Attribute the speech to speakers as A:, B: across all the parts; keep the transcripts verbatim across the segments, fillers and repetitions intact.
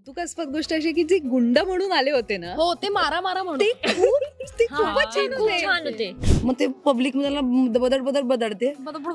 A: कौतुकास्पद गोष्ट अशी की जे गुंड म्हणून आले होते ना,
B: हो ते मारा मारा म्हणून
A: ते खूप ते खूपच छान
C: खूप
A: होते.
C: छान होते.
D: मग ते पब्लिक मध्ये बदड बदड बदडते.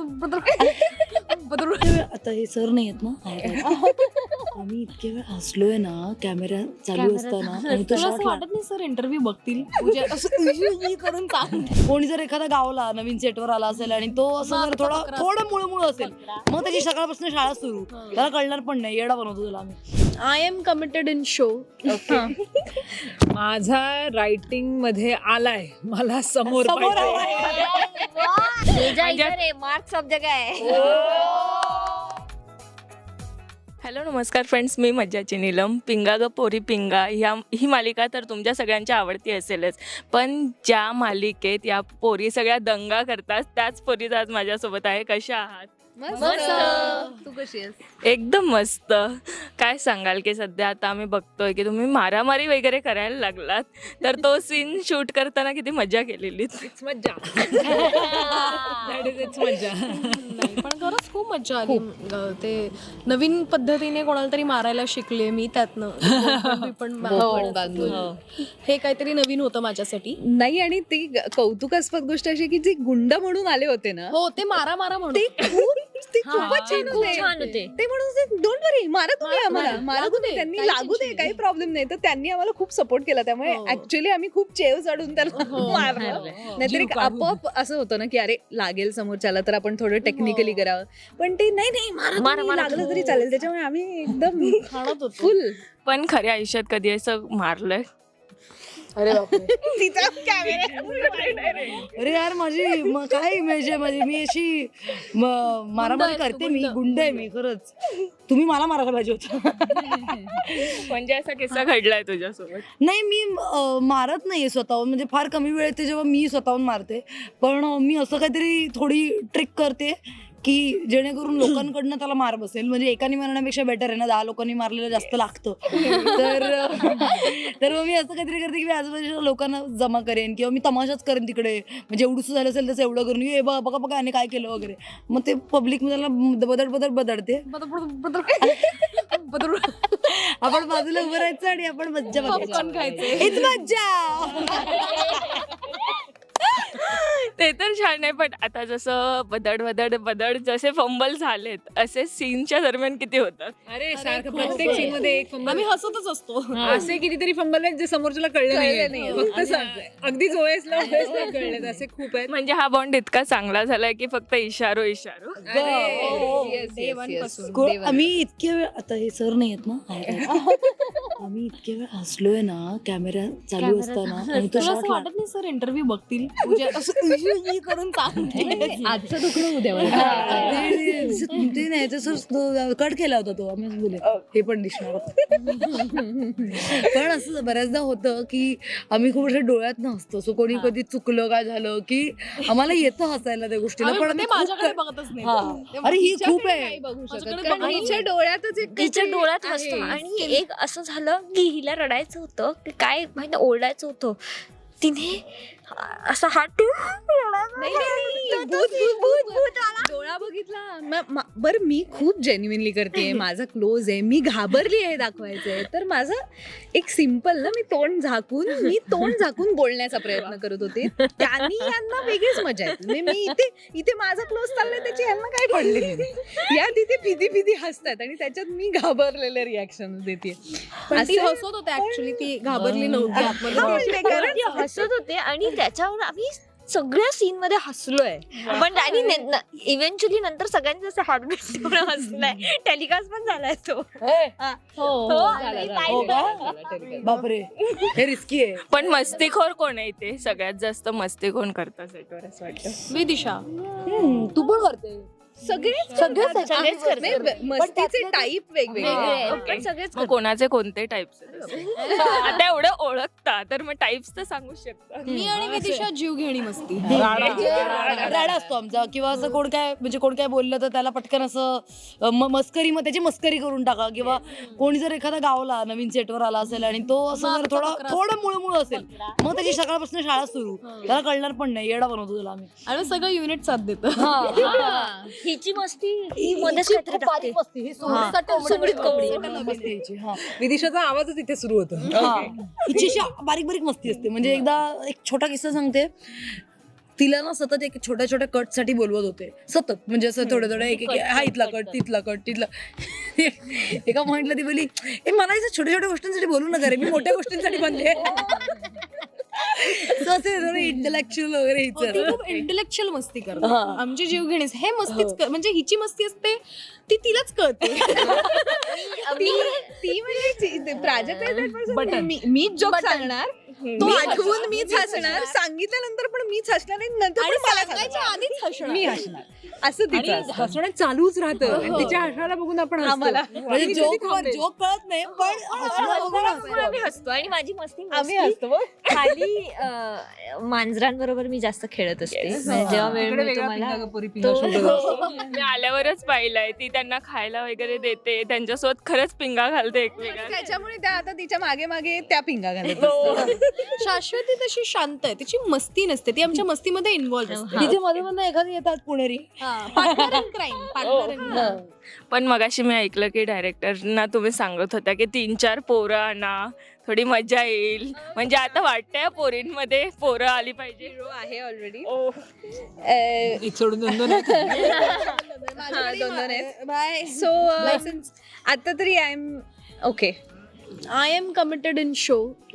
D: आता हे सर नाही आहेत ना, आम्ही इतके वेळ हसलोय ना कॅमेरा चालू असताना, आणि तो
B: तुला असं
D: shot
B: वाटत नाही सर इंटरव्ह्यू बघतील तुझ्या असं उई करून सांगते.
D: कोणी जर एखादा गावला नवीन सेटवर आला असेल आणि तो असं जर थोडा थोडं मुळमुळ असेल, मग त्याची सकाळपासून शाळा सुरू, त्याला कळणार पण नाही, येडा बनवतो तुला आम्ही.
B: I am committed in show.
E: माझा रायटिंग मध्ये आलाय, मला समोर
D: समोर
E: पाहिजे.
C: तुझ्या इधर आहे, मार्क सब जगह आहे.
F: हॅलो नमस्कार फ्रेंड्स, मी मज्जाची नीलम. पिंगा ग पोरी पिंगा ह्या ही मालिका तर तुमच्या सगळ्यांच्या आवडती असेलच, पण ज्या मालिकेत या पोरी सगळ्या दंगा करतात त्याच पोरी आज माझ्यासोबत आहे. कशा आहात?
A: मस्त. तू कशी आहेस?
F: एकदम मस्त. काय सांगाल की सध्या आता आम्ही बघतोय की तुम्ही मारामारी वगैरे करायला लागलात, तर तो सीन शूट करताना किती मजा केलेली.
E: It's मज्जा. That is it's मज्जा.
B: नाही पण खरंच खूप मज्जा आली. अं, ते नवीन पद्धतीने कोणाला तरी मारायला शिकले मी त्यातनं. मी पण
A: बोकड बांधून.
B: हे काहीतरी नवीन होतं माझ्यासाठी.
A: नाही, आणि ती ग- कौतुकास्पद गोष्ट अशी की जे गुंड म्हणून आले होते ना,
B: हो ते मारा मारा म्हणून
A: ते खूप ते खूपच छान
C: खूप
A: होते.
C: छान होते.
A: ते म्हणून डोंट वरी, मारा तुम्ही
B: मारा,
A: आम्हाला,
B: मारा.
A: मारा
B: लागू
A: तुम्ही,
B: दे,
A: त्यांनी
B: काही
A: लागू दे,
B: tension
A: काही प्रॉब्लेम नाही. तर त्यांनी आम्हाला खूप सपोर्ट केला, त्यामुळे
B: हो.
A: ऍक्च्युअली आम्ही खूप चेव चढून त्याला मारलं.
C: मारलं.
A: नाहीतर एक आपोआप असं होतं ना की अरे लागेल समोरच्याला, तर आपण थोडं टेक्निकली करावं, पण ते नाही नाही मारा
C: मारा,
A: तुम्ही,
C: मारा.
A: लागलं तरी चालेल. त्याच्यामुळे आम्ही एकदम
B: खाणत होतो.
A: फुल.
F: पण खऱ्या आयुष्यात कधी असं मारलंय?
B: अरे बापरे.
A: तिचा कॅमेरा
D: अरे यार, माझी म- काय इमेज आहे माझी, मी अशी म- मारामारी
B: गुंड आहेस
D: करते,
B: तू,
D: मी
B: गुंड.
D: गुंड आहे मी खरंच. तुम्ही मला मारायला पाहिजे होतं.
F: म्हणजे असा किस्सा घडलाय तुझ्यासोबत?
D: नाही, मी अं, मारत नाहीये स्वतःहून, म्हणजे फार कमी वेळ येते जेव्हा मी स्वतःहून मारते, पण अं, मी असं काहीतरी थोडी ट्रिक करते की जेणेकरून लोकांकडनं त्याला मार बसेल. म्हणजे एकाने मारण्यापेक्षा बेटर आहे ना, दहा लोकांनी मारलेलं जास्त लागतं. तर तर मग मी असं काहीतरी करते की मी आजूबाजूच्या लोकांना जमा करेन, किंवा मी तमाशाच करेन तिकडे, म्हणजे एवढंसं झालं असेल तसं एवढं करून ये बघा बघा याने काय केलं वगैरे. मग ते पब्लिक मध्ये बदड बदड बदडते. आपण बाजूला उभं राहायचं आणि आपण मज्जा बघायची.
B: Popcorn खायचे.
D: हीच मज्जा.
F: ते तर छान आहे, पण आता जसं बदड बदड बदड जसे फंबल झालेत, असे सीनच्या दरम्यान किती होतात?
E: अरे सारखं प्रत्येक सीन मध्ये एक फंबल.
B: आम्ही हसतच असतो.
E: असे कितीतरी फंबल आहेत जे समोरच्याला कळले नाही, फक्त स- अगदी जोयसला ओएसला कळलेत. असे खूप आहेत.
F: म्हणजे हा बॉन्ड इतका चांगला झालाय की फक्त इशारो इशारो.
A: अरे, yes, yes, yes.
D: को-
A: देवानं.
D: आम्ही इतके वेळ, आता हे सर नाही आहेत ना, आम्ही इतके वेळ हसलोय ना कॅमेरा चालू असताना, आणि तो
B: तुला
D: shot
B: असं वाटत नाही सर इंटरव्ह्यू बघतील तुझ्या असं उई करून सांगते.
A: आजचं दुखणं उद्या मला.
D: ते- ते नाही तर सर कट केला होता तो, आम्ही बोले हे पण दिसणार होतं. पण असं बऱ्याचदा होतं की आम्ही खूप अशा डोळ्यात नसतो, सो कोणी कधी चुकलं काय झालं की आम्हाला येतं हसायला त्या गोष्टीला,
B: आम्ही
D: पण
B: ते
D: आम्ही खूप
B: माझ्याकडे
D: क-
B: बघतच नाही.
D: हा. अरे ही खूप आहे.
A: नाही बघू शकत,
B: माझ्याकडे
A: कारण
B: बघायला
A: हिच्या डोळ्यातच एक
C: तिच्या
A: काहीतरी
C: डोळ्यात
A: आहे.
C: हसतो. आणि एक असं झालं की हिला रडायचं होतं की काय माहिती, ओरडायचं होतं. तिने असं हात
A: नाही, नाही, नाही, भूत, भूत, भूत, डोळा बघितला. म- म- बरं, मी खूप जेन्युइनली करते, माझा क्लोज आहे, मी घाबरली आहे दाखवायचंय, तर माझं एक सिम्पल ना, मी तोंड झाकून मी तोंड झाकून बोलण्याचा प्रयत्न करत होते. त्यांनी यांना वेगळीच मजा येते. म्हणजे मी इथे इथे माझा क्लोज चाललाय, त्याची यांना काय पडले या तिथे फिदी फिदी हसतात, आणि त्याच्यात मी घाबरलेलं रिॲक्शन देते.
B: पण ती हसत होते ऍक्च्युली, ती घाबरली नव्हती आतमध्ये.
C: कारण ती हसत होते आणि त्याच्यावर आम्ही सगळ्या सीन मध्ये हसलोय. पण आणि इव्हेंच्युअली नंतर सगळ्यांनी जसं हार्ट हसलाय, टेलिकास्ट पण झालाय तो.
A: हो, झाला, झाला.
D: हो का? बापरे, हे रिस्की आहे.
F: पण मस्तीखोर कोण आहे इथे? सगळ्यात जास्त मस्ती कोण करतं सेटवर असं वाटतं?
B: विदिशा.
D: हम्म, तू पण करते.
A: सगळे
C: सगळेच करतात.
A: नाही, मस्तीचे टाईप वेगवेगळे
C: वेगळे.
A: आहेत.
F: Okay.
C: पण सगळेच
F: मग कोणाचे कोणते टाइप्स आता एवढं ओळखता तर मग टाइप्स तर सांगू शकता.
B: मी आणि विदिशा जीव घेणी मस्ती.
D: राडा असतो आमचा, किंवा असं कोण काय म्हणजे कोण काय बोललं तर त्याला पटकन असं अ, म- मस्करी, मग त्याची मस्करी करून टाका, किंवा कोणी जर एखादा गावला नवीन सेटवर आला असेल आणि तो असं जर थोडा थोडं मुळमुळ असेल, मग त्याची सकाळपासून शाळा सुरू, त्याला कळणार पण नाही, येडा बनवतो तुला आम्ही.
B: आणि सगळं युनिट साथ देतं.
A: हा.
C: हिची मस्ती ही मध्येच काहीतरी टाकते.
D: मस्ती ही सोड-
C: हा.
D: सटल-
C: सुमडीत
D: सटल-
C: कवडी.
D: सटल मस्ती हिची, हा.
E: विदिशाचा आवाजच इथे सुरू होतो.
D: हा. हिची अशी बारीक बारीक मस्ती असते. म्हणजे एकदा एक छोटा किस्सा सांगते. तिला ना सतत एक छोट्या छोट्या कट साठी बोलवत होते सतत, म्हणजे असं थोडं थोडं एक एक हा इथला कट तिथला कट तिथला. एका पॉइंटला ती बोली, ए मला इथं छोट्या छोट्या गोष्टींसाठी बोलू नका रे, मी मोठ्या गोष्टींसाठी बनले. इंटलेक्च्युअल वगैरे
B: ती
D: हिचं.
B: खूप इंटेलेक्च्युअल मस्ती करते.
D: हा.
B: आमची जीवघेणीच हे मस्तीच कर- म्हणजे हिची मस्ती असते ती तिलाच कळते.
A: ती ती म्हणजे ती- प्राजक्ता is that person. मी- मीच जोक सांगणार, तो आठवून मीच हसणार, सांगितल्यानंतर पण मीच हसणार आणि नंतर
B: आणि
A: पण मला
B: सांगायच्या
A: हसणार.
B: आधीच हसणार.
A: मी हसणार असं
E: आणि
A: तिचं असतं.
E: हसणं चालूच राहतं आणि तिच्या हसण्याला बघून आपण हसतो.
A: आम्हाला.
D: म्हणजे
E: ती
D: जोक
E: कधी थांबते?
D: जोक कळत नाही पण हसणं बघून हसतो.
C: आम्ही हसतो आणि माझी मस्ती
A: आम्ही
C: mostly
A: हसतो बघ.
C: खाली अं, मांजरांबरोबर मी जास्त खेळत असते. म्हणजे जेव्हा वेळ
E: तिकडे
C: मिळतो
E: वेगळा
C: मला
E: पिंगा गपोरी पिंगा
C: तो-
E: शोधत असतो.
F: मी आल्यावरच पाहिलंय ती त्यांना खायला वगैरे देते, त्यांच्यासोबत खरंच पिंगा घालते एकमेकांना.
A: त्याच्यामुळे त्या आता तिच्या मागे मागे त्या पिंगा घालत असतात.
B: शाश्वती तशी शांत आहे, तिची मस्ती नसते, ती आमच्या मस्तीमध्ये इन्व्हॉल्व असते.
D: तिच्या मध्ये मध्ये एखादी येतात पुणेरी.
B: Partner in crime, partner in crime.
F: पण मगाशी मी ऐकलं की डायरेक्टरना तुम्ही सांगत होता की तीन चार पोरं आणा, थोडी मजा येईल. म्हणजे आता वाटतंय पोरींमध्ये पोरं आली पाहिजे.
A: हिरो आहे ऑलरेडी.
F: ओ
E: एक सोडून दोन दोन आहेत.
A: दोन दोन आहेत.
B: बाय.
A: सो आता तरी I am okay.
B: I am committed in show.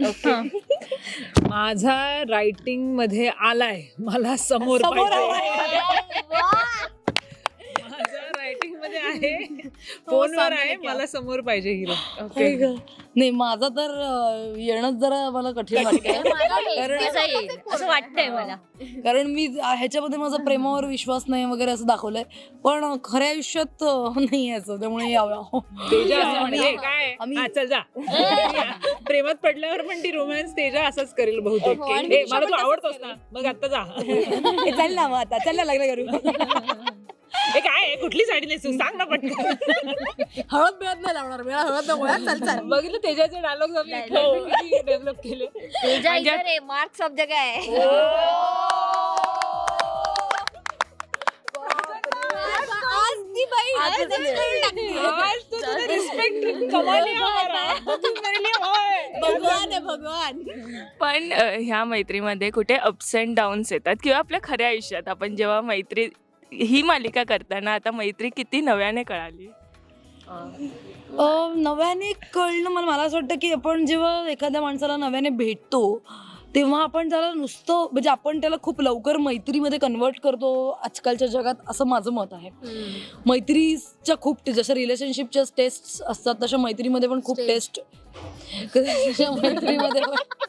E: माझा रायटिंग मध्ये आलाय, मला समोर पाहिजे. माझा रायटिंग मध्ये आहे, फोनवर आहे, मला समोर पाहिजे हिरो.
D: काय गं? नाही माझा तर अं, येणंच जरा मला कठीण वाटतंय.
C: एकटीचा येईल असं वाटतंय मला.
D: कारण मी ह्याच्यामध्ये माझा प्रेमावर विश्वास नाही वगैरे असं दाखवलंय, पण खऱ्या आयुष्यात अं, नाही असं, त्यामुळे यावं.
E: तेजा असं म्हणजे काय
D: आम्ही-
E: हा, चल जा. प्रेमात पडल्यावर पण ती रोमॅन्स तेजा असंच करेल बहुतेक. हे, मला तू आवडतोस ना, मग आता जा.
D: हे चाल ना मग आता चाल ना लग्न करू.
E: हे काय आहे? कुठली साडी नेसू सांग ना पटकन.
B: हळद बिळद नाही लावणार, मला हळद नको यार, चल चल.
E: बघितलं तेजाचे डायलॉग किती डेव्हलप केले.
C: तेजा इधर आहे, मार्क सब जगह आहे.
B: आज ती बाई
E: आज तो तुझे रिस्पेक्ट कमाल है हमारा. तू मेरे लिए है.
B: भगवान आहे भगवान.
F: पण अ, ह्या मैत्रीमध्ये कुठे अप्स अँड डाऊन्स येतात किंवा आपल्या खऱ्या आयुष्यात आपण जेव्हा मैत्री ही मालिका करताना आता मैत्री किती नव्याने कळाली.
D: अं, नव्याने कळणं मला मला असं वाटतं की आपण जेव्हा एखाद्या माणसाला नव्याने भेटतो तेव्हा आपण त्याला नुसतं म्हणजे आपण त्याला खूप लवकर मैत्रीमध्ये कन्वर्ट करतो आजकालच्या जगात, असं माझं मत आहे. मैत्रीच्या खूप जशा रिलेशनशिपच्या टेस्ट असतात तशा मैत्रीमध्ये पण खूप टेस्ट. तशा मैत्रीमध्ये पण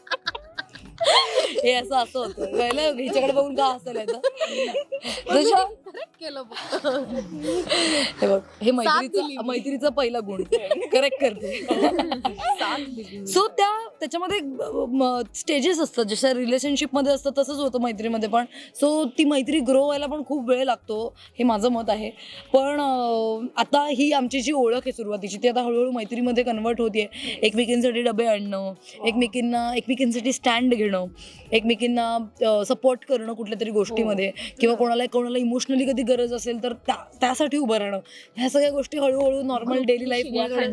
D: हे असं असं होतं कळलं, हिच्याकडे बघून का हसायला येतं. जशा
B: केलं
D: हे बघ, हे मैत्रीचा मैत्रीचा पहिला गुण करेक्ट करते. सो त्या त्याच्यामध्ये स्टेजेस असतात, जशा रिलेशनशिपमध्ये असतात तसंच होतं मैत्रीमध्ये पण. सो ती मैत्री ग्रो व्हायला पण खूप वेळ लागतो, हे माझं मत आहे. पण अं, आता ही आमची जी ओळख आहे सुरुवातीची ती आता हळूहळू मैत्रीमध्ये कन्वर्ट होतीये. एकमेकींसाठी डबे आणणं, एकमेकींना एकमेकींसाठी स्टँड घेणं, एकमेकींना सपोर्ट करणं कुठल्या तरी गोष्टीमध्ये, किंवा कोणाला कोणाला इमोशनली कधी गरज असेल तर त्या त्यासाठी उभं राहणं. ह्या सगळ्या गोष्टी हळूहळू नॉर्मल डेली लाईफमध्ये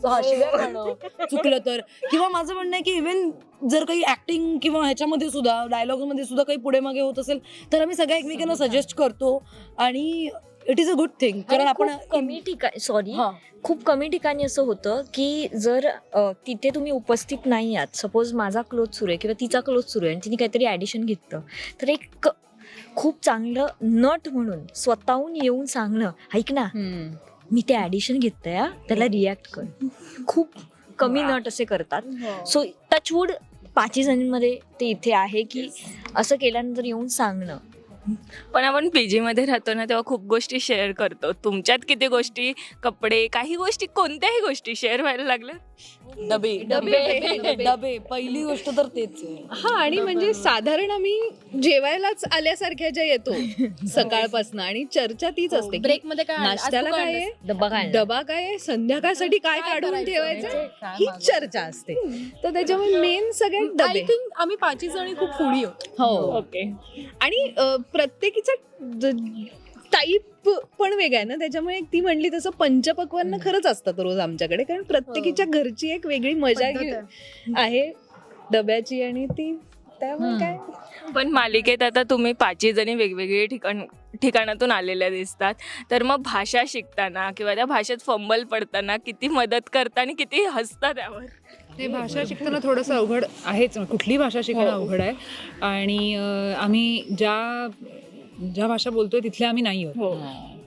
D: चुकलं तर. किंवा माझं म्हणणं आहे की इव्हन जर काही ऍक्टिंग किंवा ह्याच्यामध्ये सुद्धा डायलॉगमध्ये सुद्धा काही पुढे मागे होत असेल तर आम्ही सगळ्या एकमेकांना सजेस्ट करतो आणि it is a good thing. कारण आपण
C: खूप कमी ठिकाणी सॉरी
D: हा.
C: खूप कमी ठिकाणी असं होतं की जर अ, तिथे तुम्ही उपस्थित नाही आहात, सपोज माझा क्लोज सुरू आहे किंवा तिचा क्लोज सुरू आहे आणि तिने काहीतरी ॲडिशन घेतलं, तर एक क- खूप चांगलं नट म्हणून स्वतःहून येऊन सांगणं, ऐक ना मी ते ॲडिशन घेतलंय हा, त्याला रिॲक्ट कर. खूप कमी नट असे करतात. सो टचवूड पाचही जणींमध्ये ते इथे आहे की असं केल्यानंतर येऊन सांगणं.
F: पण आपण पीजी मध्ये राहतो ना तेव्हा खूप गोष्टी शेअर करतो. तुमच्यात किती गोष्टी, कपडे, काही गोष्टी, कोणत्याही गोष्टी शेअर व्हायला लागल्या.
D: डबे डबे डबे पहिली गोष्ट तर तेच आहे.
A: हा, आणि म्हणजे साधारण आम्ही जेवायलाच आल्यासारख्या ज्या येतो सकाळपासून आणि चर्चा तीच असते.
B: ब्रेक मध्ये काय आणलं? आज
A: नाश्त्याला
B: तू काय
A: काय आहे,
C: डबा काय
A: डबा काय आहे, संध्याकाळसाठी काय काढून ठेवायचं, ही चर्चा असते. तर त्याच्यामुळे मेन सगळ्यात
B: आय
A: डबे.
B: थिंक आम्ही पाचही जणी खूप फुडी होतो.
A: हो,
F: ओके.
A: आणि अ, प्रत्येकीचा ज- टाईप पण वेगळा आहे ना, त्याच्यामुळे ती म्हणली तसं पंचपक्वान्न खरंच असतात रोज आमच्याकडे, कारण प्रत्येकीच्या घरची एक वेगळी मजा
B: पद्धत
A: घे- आहे डब्याची, आणि ती त्यामुळे काय
F: पण मालिकेत आता तुम्ही पाचही जणी वेगवेगळे ठिकाण ठिकाणातून आलेल्या दिसतात, तर मग भाषा शिकताना किंवा त्या भाषेत फंबल पडताना किती मदत करता आणि किती हसता त्यावर?
E: ते भाषा शिकताना थोडंसं अवघड आहेच, कुठली भाषा शिकणं अवघड आहे. आणि अं, आम्ही ज्या ज्या भाषा बोलतोय तिथल्या आम्ही नाही आहोत,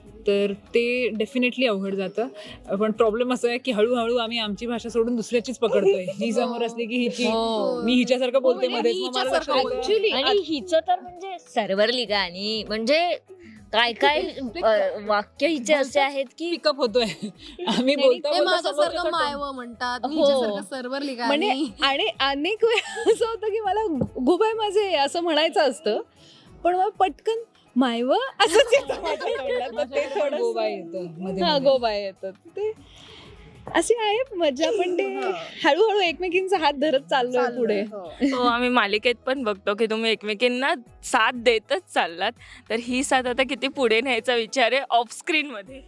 E: तर ते डेफिनेटली अवघड जातं. पण प्रॉब्लेम असं आहे की हळूहळू आम्ही आमची भाषा सोडून दुसऱ्याचीच पकडतोय. ही समोर असली की हिची, मी हिच्यासारखं बोलते मध्येच, मग मला लक्षात येतं.
A: ऍक्च्युली
C: आणि हिचं तर म्हणजे सर्व्हर लिगा, आणि म्हणजे काय काय अ, वाक्य हिचे असे आहेत की
E: पिकअप होतोय आम्ही
B: ते
E: बोलतो बोलतो
B: माझ्यासारखं
E: समोरच्याचं
B: मायव म्हणतात, मी
A: हो.
B: हिच्यासारखं सर्व्हर लिगा
A: म्हणजे
B: आणि
A: आणि अनेक वेळा असं होतं की मला गोबाय माझे असं म्हणायचं असतं, पण मग पटकन मायव असंच येतं माझ्या तोंडात. तर ते थोडंसं-
E: गोबा येतं मध्ये
A: हा,
E: मध्ये.
A: गोबाय येतात ते असे आहे मजा, पण ते हळूहळू एकमेकींचा हात धरत चाललोय पुढे.
F: हो, आम्ही मालिकेत पण बघतो की तुम्ही एकमेकींना साथ देतच चाललात, तर ही साथ आता किती पुढे न्यायचा विचार आहे ऑफ स्क्रीन मध्ये?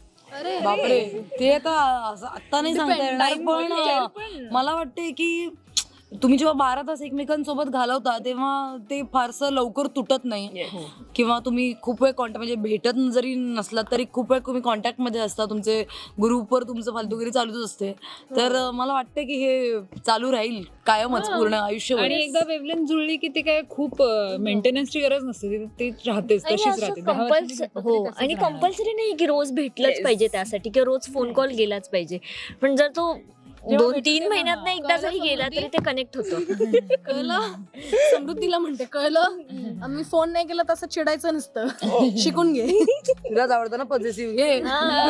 B: अरे
D: बापरे, ते आता असं आत्ता नाही सांगता येणार, पण मला वाटते की तुम्ही जेव्हा बारा तास एकमेकांसोबत घालवता तेव्हा ते फारसं लवकर तुटत नाही, किंवा तुम्ही खूप वेळ कॉन्टॅक्ट म्हणजे भेटत जरी नसलात तरी खूप वेळ तुम्ही कॉन्टॅक्टमध्ये असता, तुमचे ग्रुपवर तुमचं फालतूगिरी चालूच असते. तर मला वाटतं की हे चालू राहील कायमच पूर्ण आयुष्यभर.
E: आणि एकदा वेवलेंथ जुळली की ती काय खूप मेंटेनन्सची गरज नसते, ती- ती राहतेच,
C: आणि
E: तशीच
C: असं
E: राहते. दहा वर्षांनी
C: कंपल्स
E: भेटलं
C: हो,
E: तरी तसंच
C: आणि
E: राहणार.
C: कंपल्सरी नाही की रोज भेटलंच पाहिजे त्यासाठी, किंवा रोज फोन कॉल गेलाच पाहिजे. पण जर तो दोन तीन महिन्यात ना एकदा जरी गेला तरी ते कनेक्ट होतं.
B: कळलं, समृद्धीला म्हणते कळलं, आम्ही फोन नाही केला तसं चिडायचं नसतं, शिकून घे.
D: तुलाच आवडतं ना पॉझिटिव्ह घे.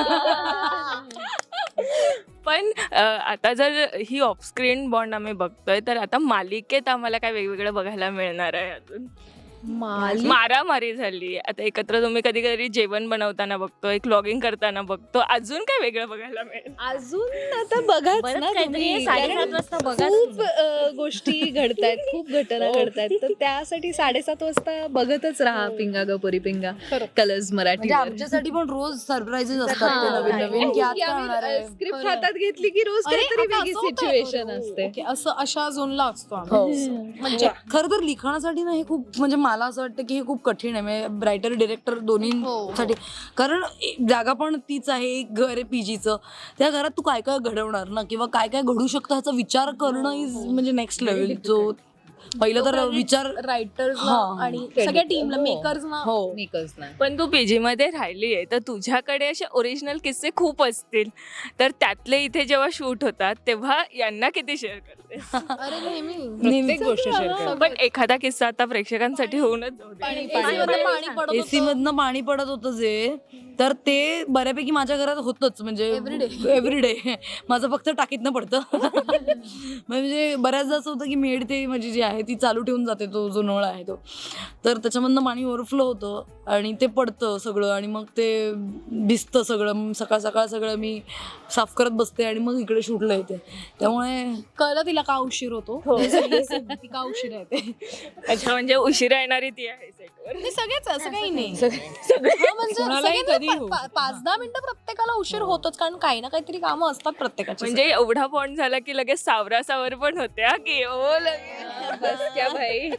F: पण अ, आता जर ही ऑफ स्क्रीन बॉन्ड आम्ही बघतोय, तर आता मालिकेत आम्हाला काय वेगवेगळं बघायला मिळणार आहे अजून? मारामारी झाली, आता एकत्र तुम्ही कधी कधी जेवण बनवताना बघतो, एक लॉगिंग करताना बघतो, अजून काय वेगळं बघायला मिळेल?
A: अजून आता बघाच
C: बरंच
A: ना
C: काहीतरी
A: तुम्ही,
C: आहे, साडेसात
A: कारण
C: वाजता बघा
A: खूप अ, गोष्टी घडतायत, खूप घटना घडतायत, तर त्यासाठी साडेसात वाजता बघतच राहा पिंगा ग पोरी पिंगा, कलर्स मराठी.
D: म्हणजे आमच्यासाठी पण रोज सरप्राईजेस असतात ते नवीन नवीन की आज काय होणार आहे.
A: स्क्रिप्ट हातात घेतली की रोज
B: अरे,
A: काहीतरी
B: आता
A: वेगळी
B: असं होतंय.
A: सिच्युएशन
B: अरे,
A: असते.
B: ओके, असं अशा झोनला असतो
D: हो.
B: आम्ही.
D: म्हणजे खरं तर लिखाणासाठी ना हे खूप, म्हणजे मला असं वाटतं की हे खूप कठीण आहे, म्हणजे रायटर डिरेक्टर दोन्हीसाठी. कारण एक जागा पण तीच आहे, एक घर आहे पीजीचं, त्या घरात तू काय काय घडवणार ना, किंवा काय काय घडू शकतं ह्याचा विचार करणं इज म्हणजे नेक्स्ट लेवल. जो पहिलं तर विचार
B: रायटर्स
D: हा.
B: आणि सगळ्या टीमला, मेकर्स ना.
D: हो
A: निकच नाही.
F: पण तू पीजी मध्ये राहिली आहे, तर तुझ्याकडे असे ओरिजिनल किस्से खूप असतील, तर त्यातले इथे जेव्हा शूट होतात तेव्हा यांना किती शेअर करते?
B: अरे नेहमी
E: प्रत्येक गोष्ट शेअर करा.
F: पण एखादा किस्सा आता प्रेक्षकांसाठी होऊनच जाऊ दे.
B: AC मध्ये पाणी पडत
D: एसी
B: होतं.
D: मधनं पाणी पडत होतं जे, तर ते बऱ्यापैकी माझ्या घरात होतच, म्हणजे एव्हरीडे माझं फक्त टाकीतनं पडतं. म्हणजे बऱ्याचदा असं होतं की मेड ते माझी जी आहे ती चालू ठेवून जाते, तो जो नळ आहे तो, तर त्याच्यामधनं पाणी ओव्हरफ्लो होतं आणि ते पडतं सगळं, आणि मग ते भिजतं सगळं. सकाळ सकाळ सगळं मी साफ करत बसते आणि मग इकडे शूटला येते. त्यामुळे
B: कळलं तिला का उशीर होतो, ती का उशीर येते.
F: अच्छा, म्हणजे उशिरा येणारी ती आहे सेटवर.
B: ते सगळेच असं काही नाही. हा, म्हणजे
E: कोणालाही
B: सगळ्यांना
E: कधी
B: पा-
E: हो.
B: पा- पाच दहा मिनिटं प्रत्येकाला उशीर होतोच, कारण काही ना काहीतरी कामं असतात प्रत्येकाची.
F: म्हणजे एवढा बॉन्ड झाला की लगेच सावरा सावर पण होते हा की ओ लगेच बस क्या भाई.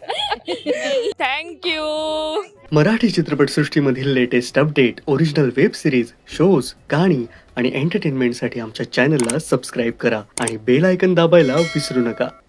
F: थँक्यू.
G: मराठी चित्रपटसृष्टीमधील latest update, original web series, shows, गाणी आणि एंटरटेनमेंटसाठी आमच्या चॅनलला सबस्क्राईब करा आणि बेल आयकन दाबायला विसरू नका.